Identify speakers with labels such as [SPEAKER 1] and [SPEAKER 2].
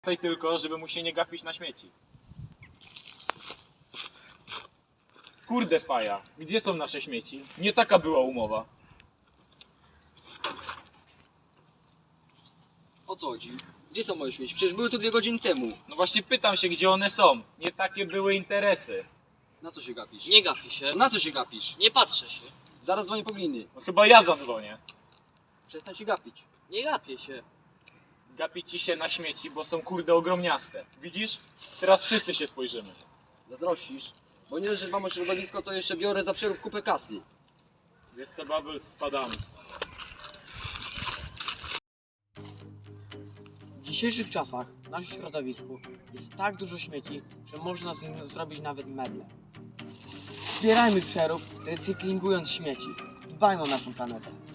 [SPEAKER 1] Pamiętaj tylko, żeby mu się nie gapić na śmieci. Kurde faja, gdzie są nasze śmieci? Nie taka była umowa.
[SPEAKER 2] O co chodzi? Gdzie są moje śmieci? Przecież były tu 2 godziny temu.
[SPEAKER 1] No właśnie pytam się, gdzie one są. Nie takie były interesy.
[SPEAKER 2] Na co się gapisz?
[SPEAKER 3] Nie gapię się.
[SPEAKER 2] Na co się gapisz?
[SPEAKER 3] Nie patrzę się.
[SPEAKER 2] Zaraz dzwonię po gliny.
[SPEAKER 1] No chyba ja zadzwonię.
[SPEAKER 2] Przestań się gapić.
[SPEAKER 3] Nie gapię się.
[SPEAKER 1] Gapi ci się na śmieci, bo są kurde ogromniaste. Widzisz? Teraz wszyscy się spojrzymy.
[SPEAKER 2] Zazdrościsz? Bo nie dość, że dbam o środowisko, to jeszcze biorę za przerób kupę kasy.
[SPEAKER 1] Wiesz co, Babel, spadamy stąd.
[SPEAKER 4] W dzisiejszych czasach w naszym środowisku jest tak dużo śmieci, że można z nim zrobić nawet meble. Zbierajmy przerób, recyklingując śmieci. Dbajmy o naszą planetę.